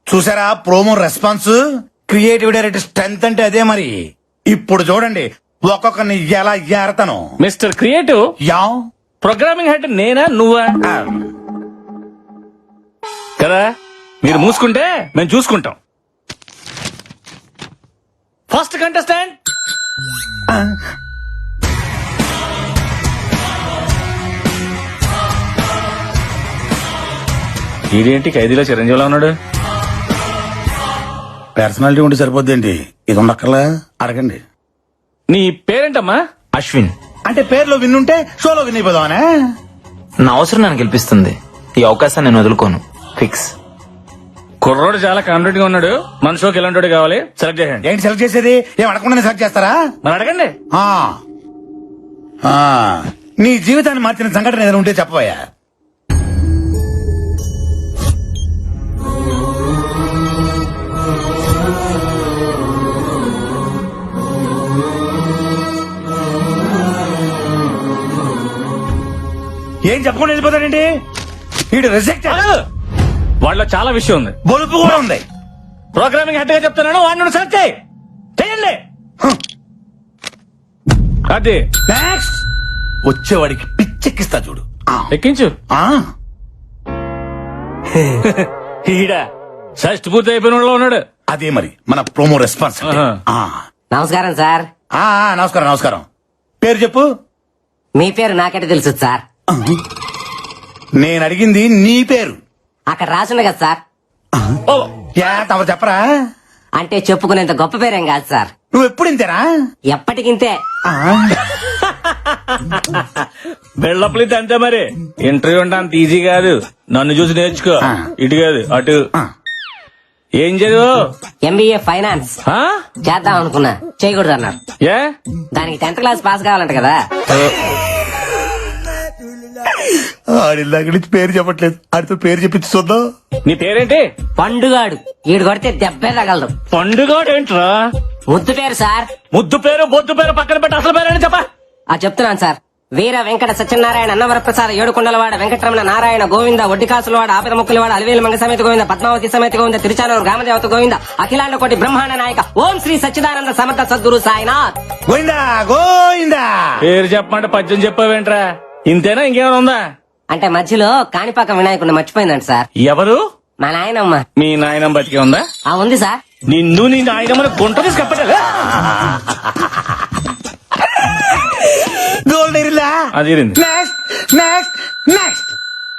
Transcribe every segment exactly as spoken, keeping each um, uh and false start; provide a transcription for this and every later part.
చూసారా promo response? Creative director strength అంటే అదే మరి. ఇప్పుడు చూడండి ఒక్కొక్కరిని ఎలా ఏరతను. Mister creative, yeah programming head నేనా నువ్వా ఆ, కదా? మీరు మూసుకుంటే మేము చూసుకుంటాం. ఫస్ట్ కంటెస్టెంట్ ఆ, ఇదేంటి ఖైదీలో చిరంజీవిలో ఉన్నాడు? పర్సనాలిటీ ఉంటే సరిపోద్దేంటి? ఇది ఉండక్కర్లా అడగండి. నీ పేరేంటమ్మా? అశ్విన్. అంటే పేర్లో విన్నుంటే షోలో విన్ అయిపోదామనే. నా అవసరం నన్ను గెలిపిస్తుంది. ఈ అవకాశాన్ని నేను వదులుకోను. ఫిక్స్. కుర్రోడు చాలా కాన్ఫిడెంట్ గా ఉన్నాడు. మన షోకి ఎలాంటి కావాలి సెలెక్ట్ చేయండి. ఏంటి సెలెక్ట్ చేసేది? ఏం అడగకుండా సెలెక్ట్ చేస్తారా? మరి అడగండి. ఆ, ఆ, నీ జీవితాన్ని మార్చిన సంఘటన ఏదైనా ఉంటే చెప్పబోయా. ఏం చెప్పకుండా వెళ్ళిపోతాడండి వీడు? రిజెక్ట్. వాళ్ళలో చాలా విషయం ఉంది. బొలుపు కూడా ఉంది. ప్రోగ్రామింగ్ హెడ్ గా చెప్తున్నాను, వాడిని సెలెక్ట్ చేయి. చేయండి. అది నెక్స్ట్ వచ్చేవాడికి పిచ్చెక్కిస్తా చూడు. ఆ, ఎక్కించు. ఆ, ఈడ షష్ట్ పూర్తి అయిపోయిన వాళ్ళలో ఉన్నాడు. అదే మరి మన ప్రోమో రెస్పాన్స్ అంటే. ఆహా. ఆ, నమస్కారం సార్. ఆ, ఆ, నమస్కారం నమస్కారం. పేరు చెప్పు. మీ పేరు నాకంటే తెలుసు సార్. నేను అడిగింది నీ పేరు. అక్కడ రాసుంది కదా సార్. ఓ, యా తమరు చెప్పరా? అంటే చెప్పుకునేంత గొప్ప పేరేం కాదు సార్. నువ్వు ఎప్పుడు ఇంతేనా? ఎప్పటికింతే. ఆ, బెళ్ళప్లిత్ అంతే మరి. ఇంటర్వ్యూ అంటే అంత ఈజీ కాదు. నన్ను చూసి నేర్చుకో. ఆ. ఇటు కాదు అటు. ఆ. ఏం చదువు? ఎంబీఏ ఫైనాన్స్ ఆ? చేద్దాం అనుకున్నా, చేయకూడదు అన్నారు. ఏ? దానికి టెన్త్ క్లాస్ పాస్ కావాలంట కదా. ఆడిల్లాక నుంచి పేరు చెప్పట్లేదు. ఆడితో పేరు చెప్పించి చూద్దాం. నీ పేరేంటి? పండుగాడు. ఈడు కొడితే దెబ్బే తగలదు. పండుగ ఏంట్రా? ముద్దు పేరు సార్. ముద్దు పేరు బొద్దు పేరు పక్కన పెట్టి అసలు పేరు చెప్పా. ఆ చెప్తున్నాను సార్. వీర వెంకట సత్యనారాయణ అన్నవరప్రసాద ఏడుకొండలవాడ వెంకటరమణ నారాయణ గోవింద ఒడ్డికాసులవాడ ఆపద ముక్కులవాడ అలివేలు మంగ సమేత గోవింద పద్మావతి సమేత గోవింద తిరుచానూరు గ్రామదేవత గోవింద అఖిలాండ కోటి బ్రహ్మాండ నాయక ఓం శ్రీ సచ్చిదానంద సమర్థ సద్గురు సాయినాథ్. గోయిందా గోయిందా. పేరు చెప్పమంటే పద్యం చెప్పావేంట్రా? ఇంతేనా ఇంకేమైనా ఉందా? అంటే మధ్యలో కాణిపాక వినాయకుడిని మర్చిపోయిందంట సార్. ఎవరు? మా నాయనమ్మ. మీ నాయనం బతికే ఉందా? ఆ ఉంది సార్. నిన్ను నీ నాయనమ్మని గుంట తీసి కప్పటలే. గోల్డ్ ఇరిలా. అది ఇరింది. Next next next.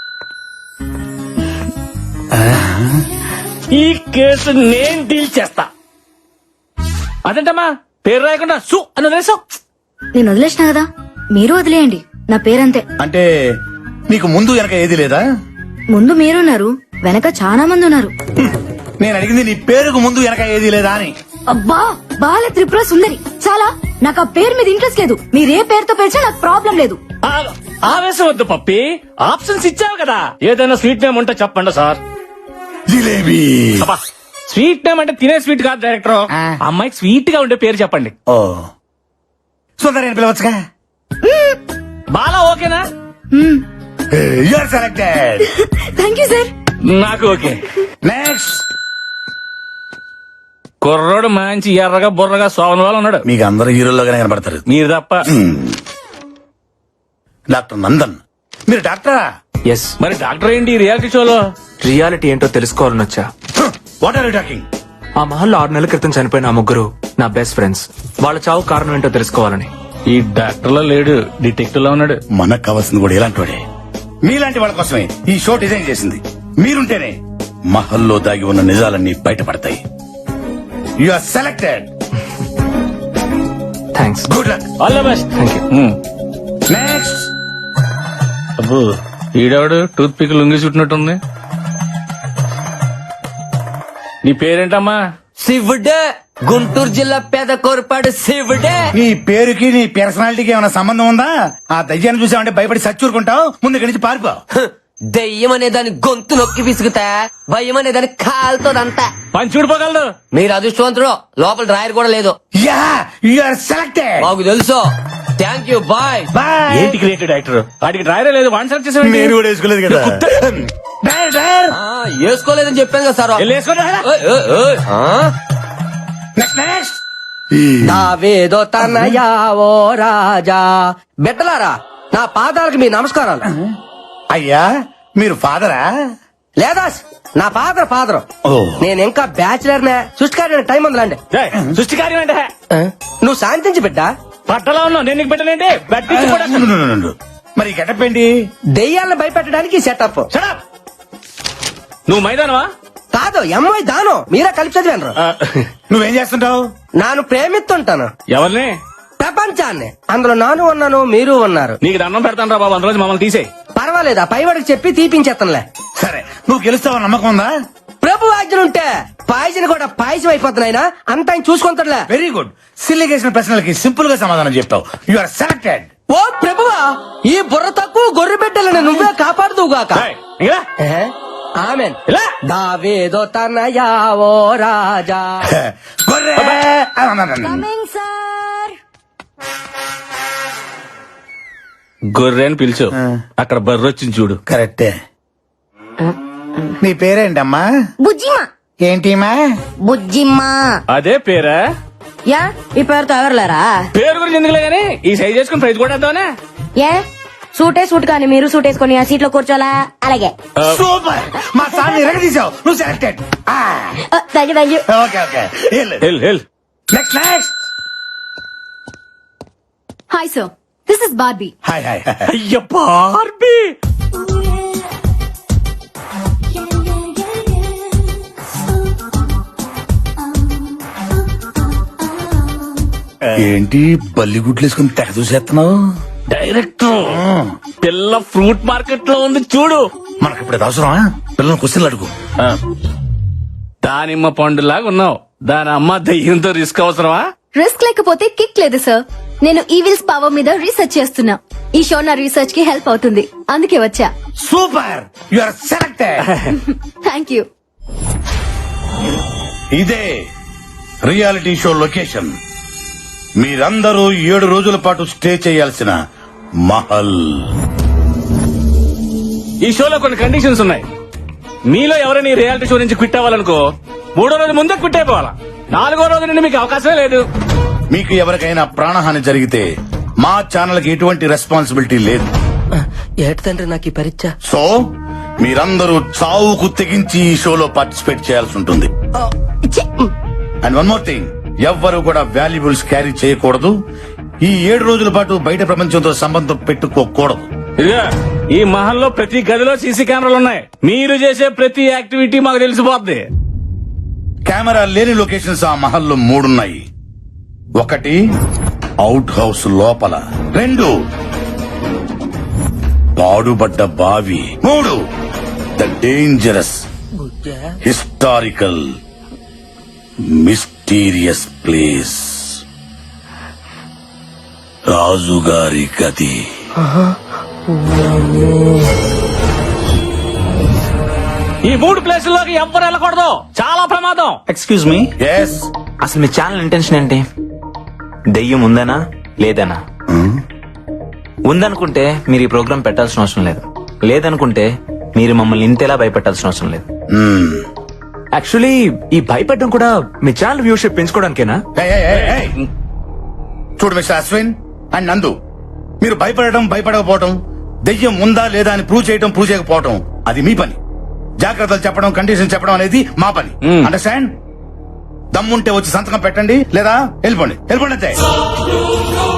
ఈ కేసు నేను డీల్ చేస్తా. అదేంటమ్మా పేరు రాయకుండా సు అని వదిలేసావు? నేను వదిలేసిన కదా, మీరు వదిలేయండి. నా పేరంతే. అంటే నీకు ముందు వెనక ఏది లేదా? ముందు మీరున్నారు, వెనక చాలా మంది ఉన్నారు. నేను అడిగింది నీ పేరుకు ముందు వెనక ఏది లేదా అని. అబ్బా బాల త్రిపుర సుందరి. చాలా, నాకు ఆ పేరు మీద ఇంట్రెస్ట్ లేదు. మీరు ఏ పేరుతో పిలిచినా నాకు ప్రాబ్లం లేదు. ఆ- ఆవేశం వద్దు పప్పి, ఆప్షన్స్ ఇచ్చావు కదా. ఏదైనా స్వీట్ నేమ్ ఉంటే చెప్పండి సార్. జిలేబీ. అబ్బా, స్వీట్ నేమ్ అంటే తినే స్వీట్ కాదు డైరెక్టర్. ఆ. అమ్మాయికి స్వీట్ గా ఉండే పేరు చెప్పండి. ఓ సుందరి అని పిలవచ్చుగా. బాలా ఓకేనా? You're selected. Thank you sir. నాకు ఓకే. నెక్స్ట్. కుర్రోడు మంచి ఎర్రగా బుర్రగా సోవన వాళ్ళు ఉన్నాడు. మీకు అందరు హీరోల్లోగానే కనబడతారు. మీరు తప్ప. డాక్టర్ నందన్. మీరు డాక్టరా? ఎస్. మరి డాక్టర్ ఏంటి ఈ రియాలిటీ షోలో? రియాలిటీ ఏంటో తెలుసుకోవాలని వచ్చా. What are you talking? ఆ మహల్లో ఆరు నెలల క్రితం చనిపోయిన ఆ ముగ్గురు నా బెస్ట్ ఫ్రెండ్స్. వాళ్ళ చావు కారణం ఏంటో తెలుసుకోవాలని. ఈ డాక్టర్ లో లేడు, డిటెక్టివ్ లో ఉన్నాడు. మనకు కావాల్సింది కూడా ఇలాంటి వాడే. మీలాంటి వాళ్ళ కోసమే ఈ షో డిజైన్ చేసింది. మీరుంటేనే మహల్లో దాగి ఉన్న నిజాలన్నీ బయటపడతాయి. You are selected. Thanks. Good luck. All the best. Thank you. Next. అబ్బో, ఈడవాడు టూత్ పిక్ లొంగి చుట్టినట్టుంది. నీ పేరేంటమ్మా? శివుడే. గుంటూరు జిల్లా పేద కోరపాడు శివుడే. నీ పేరుకి నీ పర్సనాలిటీకి ఏమైనా సంబంధం ఉందా? ఆ దయ్యాన్ని చూసావంటే భయపడి సచ్చూరుకుంటావు. ముందు ఇక్కడి నుంచి పారిపో. దెయ్యం అనే దాని గొంతు నొక్కి పిసుకుతా, భయం అనే దాని కాలుతోదంతా. పని చూడిపోగలదు. మీరు అదృష్టవంతుడు. లోపల డ్రాయర్ కూడా లేదు. Yeah you are selected. మాకు తెలుసు. Thank you. Bye bye. ఏంటి క్రియేటివ్ డైరెక్టర్? వాడికి డ్రైవర్ లేదు, వన్ సెలెక్ట్ చేసాడు. నేను కూడా వేసుకోలేదు కదా. డ్రైవర్ డ్రైవర్ వేసుకోలేదని చెప్పాను కదా సార్ వెళ్ళి వేసుకోండి రా. ఓయ్, ఓయ్, ఓయ్. ఆ? నెక్స్ట్ నెక్స్ట్ దావేదో తనయా ఓ రాజా బిడ్డలారా నా పాదాలకు మీ నమస్కారాలు. అయ్యా మీరు ఫాదరా? లేదా నా ఫాదర్ ఫాదర్ ఓ. నేను ఇంకా బ్యాచిలర్ నే సృష్టికారి టైం ఉందిలాండి. ఏయ్, సృష్టి కార్యం అంటే నువ్వు శాంతించి బిడ్డ. పట్టలో ఉన్నావు నేను నీకు పెట్టలేంటి బట్టి కూడా ఉండు, ఉండు, ఉండు. మరి గెటప్ ఏంటి? దెయ్యాలను భయపెట్టడానికి సెటప్. Shut up. నువ్వు మైదానవా కాదు ఎంఐ దాను మీరే కలిపి చదివాను. ఆ, నువ్వేం చేస్తుంటావు? నాను ప్రేమిస్తుంటాను ఎవరిని ప్రపంచాన్ని. అందులో నాను ఉన్నాను మీరు ఉన్నారు. నీకు దండం పెడతాను రా బాబు అందులో మమ్మల్ని తీసేయి. పర్వాలేదా పైవాడికి చెప్పి తీపించేస్తానులే. సరే నువ్వు గెలుస్తావు నమ్మకం ఉందా? ప్రభు ఆజ్ఞలుంటే పాయసం కూడా పాయసం అయిపోతున్నాయినా అంత ఆయన చూసుకుంటాడులే. Very good. సిల్లిగేసిన ప్రశ్నలకి సింపుల్ గా సమాధానం చెప్తావు. You are selected. ఓ ప్రభువా ఈ బుర్ర తక్కువ గొర్రె బిడ్డలను నువ్వే కాపాడుదువుగాక. ఏయ్, ఇంకా రా. ఆమెన్. ఇలా. దావేదో తనయా ఓ రాజా. గొర్రె. Coming sir. గొర్రె అని పిలిచు అక్కడ బర్రె వచ్చింది చూడు. కరెక్టే. నీ పేరేంటమ్మా? బుజ్జిమా. ఏంటిమా? బుజ్జిమా. అదే పేరా? యా ఈ పేరుతో ఎవరులేరా? పేరు గురించి ఎందుకులే గానీ ఈ సైజ్ చేసుకుని ప్రైజ్ కూడా వేద్దామనే. ఏ సూటే సూట్ కానీ మీరు సూట్ వేసుకొని ఆ సీట్ లో కూర్చోలా? అలాగే. సూపర్. మా సార్ ఎరగదీసావు. నువ్వు selected. Thank you thank you. Okay okay. Hell hell next next. Hi sir, this is Barbie. Hi hi. అయ్య బార్బీ. ఏంటి బల్లిగుడ్లు వేసుకుని తెగ చూసేస్తున్నావు? డైరెక్టర్ పిల్ల ఫ్రూట్ మార్కెట్ లో ఉంది చూడు. మనకి ఇప్పుడు అవసరమా? పిల్లలు క్వశ్చన్లు అడుగు. దానిమ్మ పండులాగా ఉన్నావు. దాని అమ్మ దయ్యంతో రిస్క్ అవసరమా? రిస్క్ లేకపోతే కిక్ లేదు సార్. నేను ఈవిల్స్ పవర్ మీద రీసెర్చ్ చేస్తున్నా. ఈ షో నా రీసెర్చ్ కి హెల్ప్ అవుతుంది, అందుకే వచ్చా. Super. You are selected. Thank you. ఇదే రియాలిటీ షో లొకేషన్. మీరందరూ ఏడు రోజుల పాటు స్టే చేయాల్సిన మహల్. ఈ షోలో కొన్ని కండిషన్స్ ఉన్నాయి. మీలో ఎవరైనా ఈ రియాలిటీ షో నుంచి క్విట్ అవ్వాలనుకో మూడో రోజు ముందే క్విట్ అయిపోవాలా. నాలుగో రోజు నుండి మీకు అవకాశమే లేదు. మీకు ఎవరికైనా ప్రాణహాని జరిగితే మా ఛానల్ కి ఎటువంటి రెస్పాన్సిబిలిటీ లేదు. ఏటి తండ్రి నాకు ఈ పరీక్ష. సో మీరందరూ చావుకు తెగించి ఈ షోలో పార్టిసిపేట్ చేయాల్సి ఉంటుంది. అండ్ వన్ మోర్ థింగ్, ఎవ్వరు కూడా వాల్యుబుల్స్ క్యారీ చేయకూడదు. ఈ ఏడు రోజుల పాటు బయట ప్రపంచంతో సంబంధం పెట్టుకోకూడదు. ఇదిగా ఈ మహల్లో ప్రతి గదిలో సీసీ కెమెరాలు ఉన్నాయి. మీరు చేసే ప్రతి యాక్టివిటీ మాకు తెలిసిపోద్ది. కెమెరా లేని లొకేషన్స్ ఆ మహల్లో మూడున్నాయి. ఒకటి అవుట్ హౌస్ లోపల, రెండు పాడుబడ్డ బావి, మూడు the dangerous historical mysterious place రాజుగారి గది. ఈ మూడు ప్లేసుల్లోకి ఎవ్వరు వెళ్ళకూడదు, చాలా ప్రమాదం. Excuse me, yes. అసలు మీ ఛానల్ ఇంటెన్షన్ ఏంటి? దెయ్యం ఉందనా లేదనా? ఉందనుకుంటే మీరు ఈ ప్రోగ్రామ్ పెట్టాల్సిన అవసరం లేదు. లేదనుకుంటే మీరు మమ్మల్ని ఇంతేలా భయపెట్టాల్సిన అవసరం లేదు. యాక్చువల్లీ ఈ భయపెట్టడం కూడా మీ ఛానల్ వ్యూషిప్ పెంచుకోవడానికేనా? చూడు మిస్టర్ అశ్విన్ అండ్ నందు, మీరు భయపడటం భయపడకపోవటం, దెయ్యం ఉందా లేదా అని ప్రూవ్ చేయటం ప్రూవ్ చేయకపోవటం అది మీ పని. జాగ్రత్తలు చెప్పడం, కండిషన్ చెప్పడం అనేది మా పని. Hmm. అండర్స్టాండ్? దమ్ముంటే వచ్చి సంతకం పెట్టండి, లేదా వెళ్ళిపోండి. వెళ్ళిపోండి అంతే.